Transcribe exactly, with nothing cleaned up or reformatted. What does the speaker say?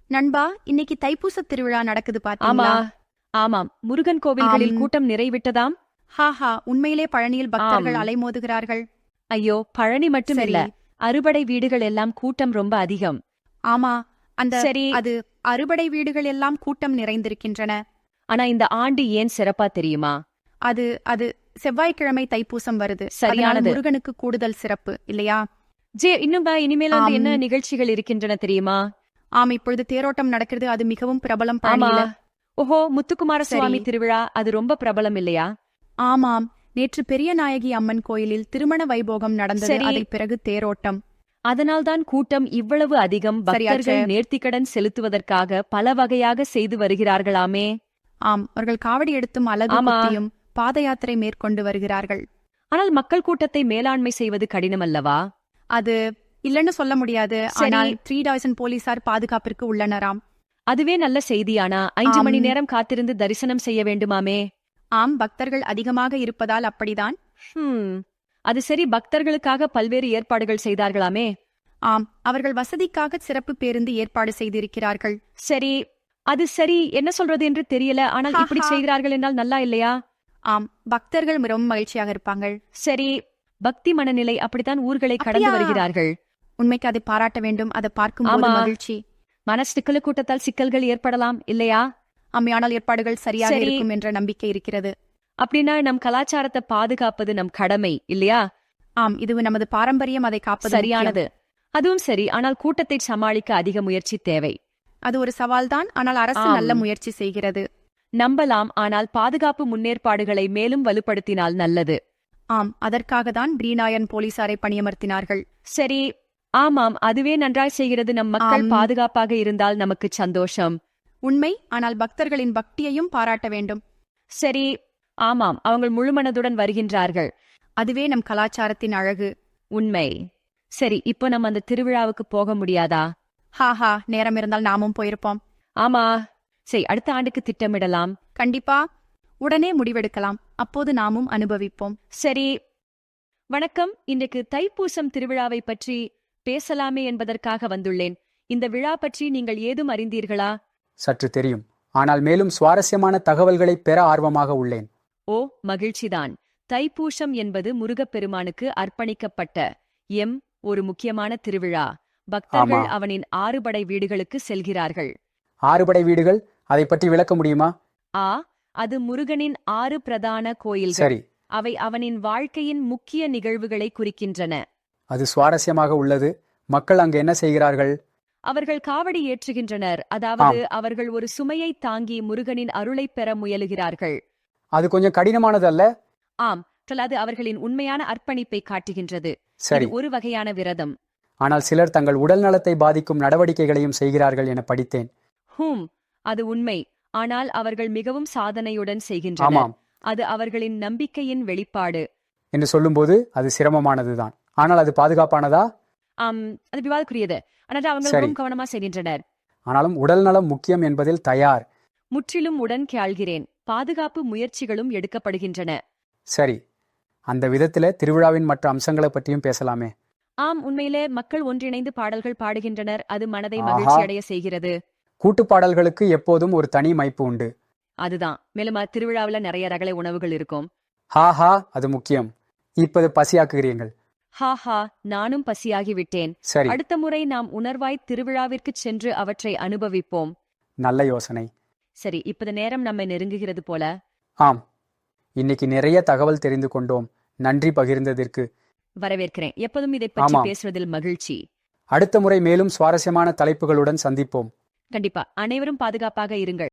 நண்பா, இன்னைக்கு தைப்பூச திருவிழா நடக்குது ஆமா பாத்தீங்களா? ஆமாம் முருகன் கோவில்களில் ஆம். கூட்டம் நிறைவிட்டதாம். ஹாஹா, உண்மையிலே பழனியில் பக்தர்கள் ஆம். அலைமோதுகிறார்கள். ஐயோ, பழனி மட்டும் இல்ல, சரி. அறுபடை வீடுகள் எல்லாம் கூட்டம் ரொம்ப அதிகம். ஆமா, அந்த சரி. அது அறுபடை வீடுகள் எல்லாம் கூட்டம் நிறைந்திருக்கின்றன. ஆனா இந்த ஆண்டு ஏன் சிறப்பா தெரியுமா? அது அது செவ்வாய்க்கிழமை தைப்பூசம் வருது. அதனால சரியானது. முருகனுக்கு கூடுதல் சிறப்பு இல்லையா? ஜே, இன்னும் பா, இனிமேல் வந்து ஆம். என்ன நிகழ்ச்சிகள் இருக்கின்றன தெரியுமா? ஆம், இப்பொழுது தேரோட்டம் நடக்கிறது. அது மிகவும் பிரபலம் ஆமா. பழனியில. ஓஹோ, முத்துக்குமார சரி. சுவாமி திருவிழா, அது ரொம்ப பிரபலம் இல்லையா? ஆமாம், நேற்று பெரிய நாயகி அம்மன் கோயிலில் திருமண வைபோகம் நடந்தது. சரி. அதை பிறகு தேரோட்டம். அதனால்தான் கூட்டம் இவ்வளவு அதிகம். சரியாச்சே. பக்தர்கள் நேர்த்திக்கடன் செலுத்துவதற்காக பல வகையாக செய்து வருகிறார்களாமே. ஆம், அவர்கள் காவடி எடுத்தும் அலகு ஆமா. குத்தியும் பாத யாத்திரை மேற்கொண்டு வருகிறார்கள். ஆனால் மக்கள் கூட்டத்தை மேலாண்மை செய்வது கடினமல்லவா? அது இல்லன்னு சொல்ல முடியாது. சரி. ஆனால் த்ரீ டாய்சன் போலீசார் பாதுகாப்பிற்கு உள்ளனராம். அதுவே நல்ல செய்தியானா? ஐந்து ஆம். மணி நேரம் காத்திருந்து தரிசனம் செய்ய வேண்டுமாமே. ஆம், பக்தர்கள் அதிகமாக இருப்பதால் அப்படிதான். ஹம் அது சரி, பக்தர்களுக்காக பல்வேறு ஏற்பாடுகள் செய்தார்களாமே. ஆம், அவர்கள் வசதிக்காக சிறப்பு பேருந்து ஏற்பாடு செய்திருக்கிறார்கள். சரி, அது சரி, என்ன சொல்றது என்று தெரியல. ஆனால் இப்படி ஹாஹா. செய்கிறார்கள் என்றால் நல்லா இல்லையா? ஆம், பக்தர்கள் மிகவும் மகிழ்ச்சியாக இருப்பாங்க. சரி, பக்தி மனநிலை அப்படித்தான் ஊர்களை கடந்து அப்படியா? வருகிறார்கள். உண்மைக்கு அதை பாராட்ட வேண்டும். அதை பார்க்கும்போது ஆமா. மகிழ்ச்சி. மனசிக்கலு கூட்டத்தால் சிக்கல்கள் ஏற்படலாம் இல்லையா? அம்மையானால் ஏற்பாடுகள் சரியாக சரி. இருக்கும் என்ற நம்பிக்கை இருக்கிறது. அப்படின்னா நம் கலாச்சாரத்தை பாதுகாப்பது நம் கடமை இல்லையா? ஆம், இது நமது பாரம்பரியம். அதை காப்பது சரியானது. முக்கியம். அதுவும் சரி, ஆனால் கூட்டத்தை சமாளிக்க அதிக முயற்சி தேவை. அது ஒரு சவால்தான். ஆனால் அரசு ஆம். நல்ல முயற்சி செய்கிறது. நம்பலாம், ஆனால் பாதுகாப்பு முன்னேற்பாடுகளை மேலும் வலுப்படுத்தினால் நல்லது. ஆம், அதற்காக தான் பிரீனாயன் போலீசாரை பணியமர்த்தினார்கள். சரி, ஆமாம், அதுவே நன்றாய் செய்கிறது. நம் மக்கள் ஆம். பாதுகாப்பாக இருந்தால் நமக்கு சந்தோஷம். உண்மை, ஆனால் பக்தர்களின் பக்தியையும் பாராட்ட வேண்டும். சரி, ஆமாம், அவங்க முழுமனதுடன் வருகின்றார்கள். அதுவே நம் கலாச்சாரத்தின் அழகு. உண்மை. சரி, இப்போ நம்ம அந்த திருவிழாவுக்கு போக முடியாதா? ஹாஹா, நேரம் இருந்தால் நாமும் போயிருப்போம். ஆமா. சரி, அடுத்த ஆண்டுக்கு திட்டமிடலாம். கண்டிப்பா, உடனே முடிவெடுக்கலாம். அப்போது நாமும் அனுபவிப்போம். சரி, வணக்கம். இன்றைக்கு தைப்பூசம் திருவிழாவை பற்றி பேசலாமே என்பதற்காக வந்துள்ளேன். இந்த விழா பற்றி நீங்கள் ஏதும் அறிந்தீர்களா? சற்று தெரியும், ஆனால் மேலும் சுவாரஸ்யமான தகவல்களை பெற ஆர்வமாக உள்ளேன். ஓ, மகிழ்ச்சிதான். தைப்பூசம் என்பது முருகப்பெருமானுக்கு அர்ப்பணிக்கப்பட்ட எம் ஒரு முக்கியமான திருவிழா. பக்தர்கள் ஆமா. அவனின் ஆறுபடை வீடுகளுக்கு செல்கிறார்கள். ஆறுபடை வீடுகள், அதை பற்றி விளக்க முடியுமா? ஆ, அது முருகனின் ஆறு பிரதான கோயில்கள். சரி, அவை அவனின் வாழ்க்கையின் முக்கிய நிகழ்வுகளை குறிக்கின்றன. அது சுவாரஸ்யமாக உள்ளது. மக்கள் அங்கு என்ன செய்கிறார்கள்? அவர்கள் காவடி ஏற்றுகின்றனர், அதாவது அவர்கள் ஒரு சுமையை தாங்கி முருகனின் அருளைப் பெற முயலுகிறார்கள். அது கொஞ்சம் கடினமானது அல்ல? ஆம், அது அவர்களின் உண்மையான அர்ப்பணிப்பை காட்டுகின்றது. சரி, இது ஒரு வகையான விரதம். ஆனால் சிலர் தங்கள் உடல் நலத்தை பாதிக்கும் நடவடிக்கைகளையும் செய்கிறார்கள் என படித்தேன். ஹூம் அது உண்மை. ஆனால் அவர்கள் மிகவும் சாதனையுடன் செய்கின்றனர். ஆமாம் அது அவர்களின் நம்பிக்கையின் வெளிப்பாடு. என்று சொல்லும்போது அது சிரமமானதுதான். ஆனால் அது பாதுகாப்பானதா? ஆம், அது விவாதக்குரியது. ஆனால் அவங்க சரி. மிகவும் கவனமா செய்கின்றனர். ஆனாலும் உடல் நலம் முக்கியம் என்பதில் தயார். முற்றிலும் உடன் கேள்கிறேன். பாதுகாப்பு முயற்சிகளும் எடுக்கப்படுகின்றன. சரி, அந்த விதத்தில திருவிழாவின் மற்ற அம்சங்களை பற்றியும் பேசலாமே. ஆம், உண்மையிலே மக்கள் ஒன்றிணைந்து பாடல்கள் பாடுகின்றனர். அது மனதை ஆஹா. மகிழ்ச்சி அடைய செய்கிறது. கூட்டுப்பாடல்களுக்கு எப்போதும் ஒரு தனி மைப்பு உண்டு. அதுதான். மேலும் அத் திருவிழாவுல நிறைய ரகலை உணவுகள் இருக்கும். ஹாஹா, அது முக்கியம். இப்போது பசியாக்குகிறீர்கள். ஹாஹா, நானும் பசியாகி விட்டேன். சரி, அடுத்த முறை நாம் உணர்வாய் திருவிழாவிற்குச் சென்று அவற்றை அனுபவிப்போம். நல்ல யோசனை. சரி, இப்போது நேரம் நம்மை நெருங்குகிறது போல. ஆம், இன்னைக்கு நிறைய தகவல் தெரிந்து கொண்டோம். நன்றி பகிர்ந்ததற்கு. வரவேற்கிறேன். எப்போதும் இதை பற்றி ஆமாம். பேசுவதில் மகிழ்ச்சி. அடுத்த முறை மேலும் சுவாரஸ்யமான தலைப்புகளுடன் சந்திப்போம். கண்டிப்பா. அனைவரும் பாதுகாப்பாக இருங்கள்.